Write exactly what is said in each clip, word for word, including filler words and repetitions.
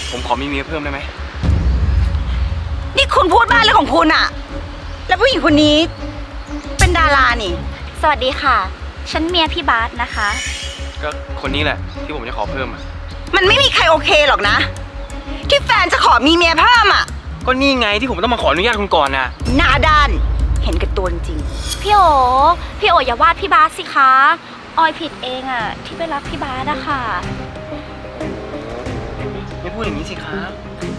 ผมขอมีเมียเพิ่มได้ไหมนี่คุณพูดบ้าเรื่องของคุณอะแล้วผู้หญิงคนนี้เป็นดารานี่สวัสดีค่ะฉันเมียพี่บาสนะคะก็คนนี้แหละที่ผมจะขอเพิ่มอ่ะมันไม่มีใครโอเคหรอกนะที่แฟนจะขอมีเมียเพิ่มอะก็นี่ไงที่ผมต้องมาขออนุญาตคุณก่อนน่ะหน้าด้านเห็นกับตัวจริงพี่โอพี่โออย่าวาดพี่บาสสิคะออยผิดเองอะที่ไปรักพี่บาสอะค่ะไม่พูดอย่างนี้สิครับ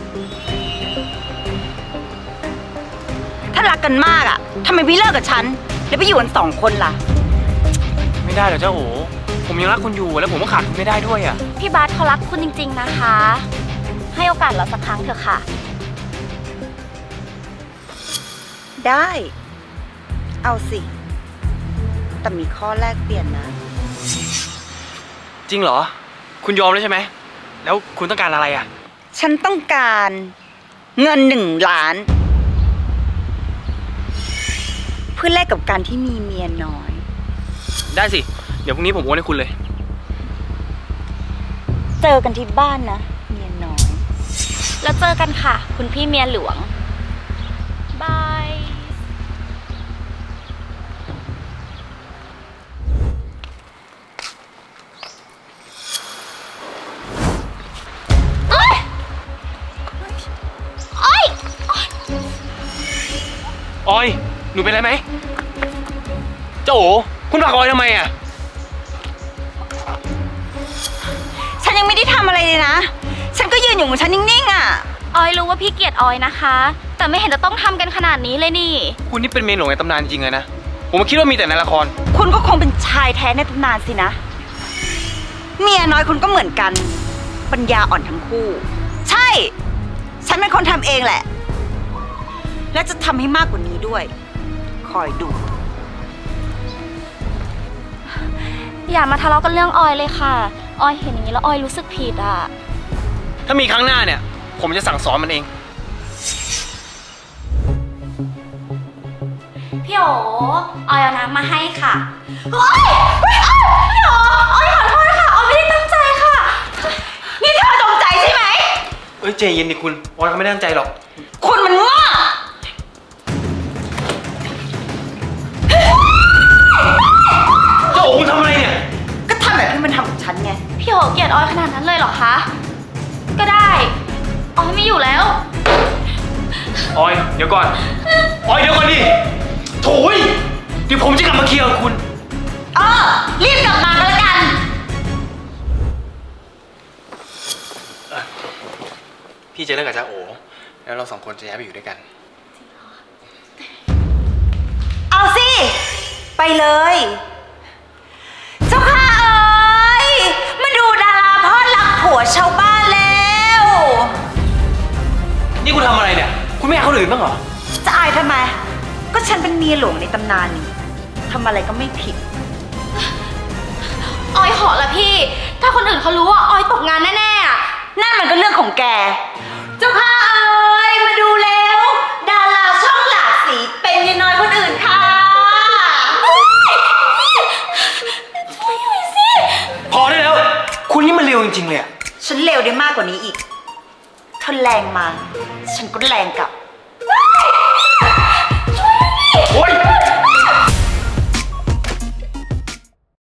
ถ้ารักกันมากอะทำไมไม่เลิกกับฉันแล้วไปอยู่กันสองคนล่ะไม่ได้หรอกเจ้าโอผมยังรักคุณอยู่แล้วผมก็ขาดคุณไม่ได้ด้วยอ่ะพี่บาสเขารักคุณจริงๆนะคะให้โอกาสเราสักครั้งเถอะค่ะได้เอาสิแต่มีข้อแรกเปลี่ยนนะจริงเหรอคุณยอมแล้วใช่ไหมแล้วคุณต้องการอะไรอ่ะฉันต้องการเงินหนึ่งล้านเพื่อแลกกับการที่มีเมียน้อยได้สิเดี๋ยวพรุ่งนี้ผมโอนให้คุณเลยเจอกันที่บ้านนะเมียน้อยแล้วเจอกันค่ะคุณพี่เมียหลวงบายโอ๊ยโอ๊ยออยหนูเป็นไรไหมเจ้าโอคุณผลักออยทำไมอ่ะฉันยังไม่ได้ทำอะไรเลยนะฉันก็ยืนอยู่ของฉันนิ่งๆอ่ะออยรู้ว่าพี่เกลียดออยนะคะแต่ไม่เห็นจะต้องทำกันขนาดนี้เลยนี่คุณนี่เป็นเมียหลวงในตำนานจริงเลยนะผมคิดว่ามีแต่ในละครคุณก็คงเป็นชายแท้ในตำนานสินะเมียน้อยคุณก็เหมือนกันปัญญาอ่อนทั้งคู่ใช่ฉันเป็นคนทำเองแหละและจะทำให้มากกว่านี้ด้วยคอยดูอย่ามาทะเลาะกันเรื่องออยเลยค่ะออยเห็นอย่างนี้แล้วออยรู้สึกผิดอ่ะถ้ามีครั้งหน้าเนี่ยผมจะสั่งสอนมันเองพี่โอออยเอาน้ำมาให้ค่ะโอ๊ยพี่โอออยขอโทษค่ะออยไม่ได้ตั้งใจค่ะนี่เธอจงใจใช่ไหมเอ้ยใจเย็นดิคุณออยเขาไม่ได้ตั้งใจหรอกคุณมันง่าเจ้าโอคุณทำอะไรเนี่ยก็ทำแบบที่มันทำกับฉันไงพี่โอเกลียดออยขนาดนั้นเลยเหรอคะก็ได้ออยไม่อยู่แล้วออยเดี๋ยวก่อนออยเดี๋ยวก่อนดิโถ่ยเดี๋ยวผมจะกลับมาเคลียร์กับคุณเออรีบกลับมาก็แล้วกันพี่จะเลิกกับจ้าโอแล้วเราสองคนจะย้ายไปอยู่ด้วยกันเอาสิไปเลยเจ้าค่ะเอ๋ยมาดูดาราพ่อหลักผัวชาวบ้านแล้วนี่คุณทำอะไรเนี่ยคุณไม่อยากเขาหรือบ้างเหรอจะอายทำไมก็ฉันเป็นเมียหลวงในตำนานนี่ทำอะไรก็ไม่ผิดออยขอละพี่ถ้าคนอื่นเขารู้ว่าออยตกงานแน่ๆอ่ะนั่นมันก็เรื่องของแกเจ้าค่ะเอ๋ยมาดูแล้วดาราช่องหลากสีเป็นเมียน้อยคนอื่นค่ะช่วยหน่อยสิพอได้แล้วคุณนี่มันเร็วจริงๆเลยอ่ะฉันเร็วได้มากกว่านี้อีกเธอแรงมาฉันก็แรงกลับ